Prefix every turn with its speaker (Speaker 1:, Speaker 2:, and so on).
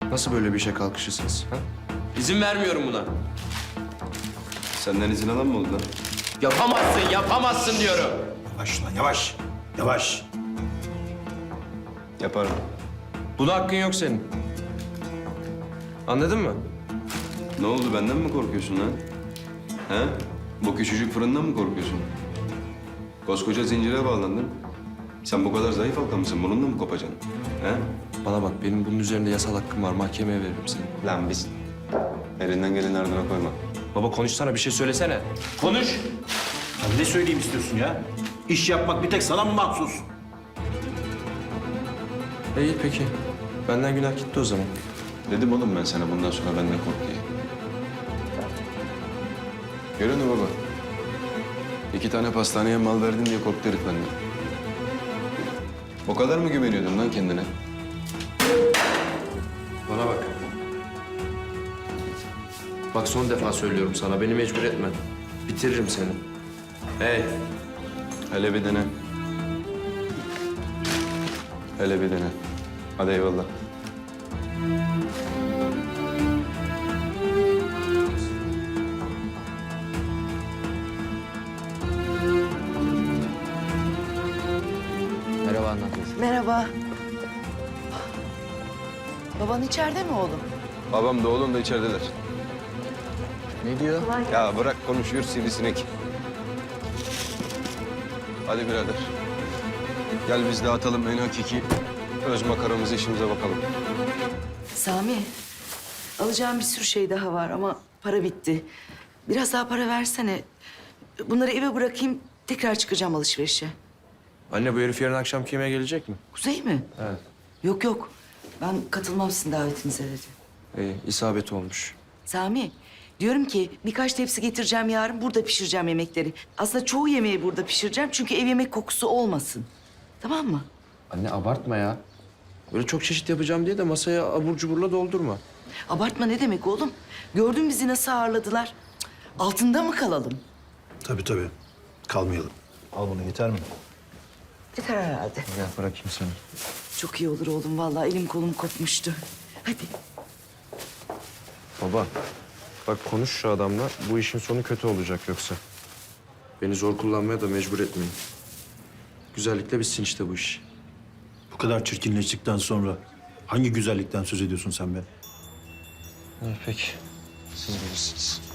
Speaker 1: Nasıl böyle bir işe kalkışırsınız? Ha?
Speaker 2: İzin vermiyorum buna.
Speaker 1: Senden izin alan mı oldu lan?
Speaker 2: Yapamazsın diyorum.
Speaker 3: Yavaş lan yavaş. Yavaş.
Speaker 1: Yaparım.
Speaker 2: Buna hakkın yok senin. Anladın mı?
Speaker 1: Ne oldu, benden mi korkuyorsun lan? He? Bu küçücük fırından mı korkuyorsun? Koskoca zincire bağlandın. Sen bu kadar zayıf halka mısın? Bununla mı kopacaksın? He?
Speaker 2: Bana bak, benim bunun üzerinde yasal hakkım var. Mahkemeye veririm seni.
Speaker 1: Lan biz elinden geleni ardına koyma.
Speaker 2: Baba konuşsana, bir şey söylesene. Konuş.
Speaker 3: Ya ne söyleyeyim istiyorsun ya? İş yapmak bir tek sana mı mahsus?
Speaker 2: İyi peki. Benden günah gitti o zaman.
Speaker 1: Dedim oğlum ben sana bundan sonra benden kork diye. Görüyor musun baba? 2 tane pastaneye mal verdin diye korktu herif benden. O kadar mı güveniyordun lan kendine?
Speaker 2: Bana bak. Bak son defa söylüyorum sana, beni mecbur etme. Bitiririm seni. Hey.
Speaker 1: Hele bir dene. Hele bir dene. Hadi eyvallah.
Speaker 2: Merhaba anne.
Speaker 4: Merhaba. Baban içeride mi oğlum?
Speaker 1: Babam da oğlum da içerideler.
Speaker 2: Ne diyor?
Speaker 1: Ya bırak konuşuyor sivrisinek. Hadi birader. Gel biz de atalım en hakiki öz makaramızı, işimize bakalım.
Speaker 4: Sami, alacağım bir sürü şey daha var ama para bitti. Biraz daha para versene. Bunları eve bırakayım, tekrar çıkacağım alışverişe.
Speaker 2: Anne, bu herif yarın akşam kime gelecek mi?
Speaker 4: Kuzey mi?
Speaker 2: Evet.
Speaker 4: Yok yok, ben katılmam sizin davetinize dedi.
Speaker 2: İyi, isabet olmuş.
Speaker 4: Sami, diyorum ki birkaç tepsi getireceğim yarın, burada pişireceğim yemekleri. Aslında çoğu yemeği burada pişireceğim çünkü ev yemek kokusu olmasın. Tamam mı?
Speaker 2: Anne abartma ya. Böyle çok çeşit yapacağım diye de masaya abur cuburla doldurma.
Speaker 4: Abartma ne demek oğlum? Gördün bizi nasıl ağırladılar. Cık, altında mı kalalım?
Speaker 3: Tabii. Kalmayalım. Al bunu yeter mi?
Speaker 4: Yeter herhalde.
Speaker 2: Gel bırakayım seni.
Speaker 4: Çok iyi olur oğlum vallahi elim kolum kopmuştu. Hadi.
Speaker 2: Baba, bak konuş şu adamla. Bu işin sonu kötü olacak yoksa. Beni zor kullanmaya da mecbur etmeyin. Güzellikle bitsin işte bu iş.
Speaker 3: Bu kadar çirkinleştikten sonra hangi güzellikten söz ediyorsun sen be?
Speaker 2: İyi peki. Siz bilirsiniz.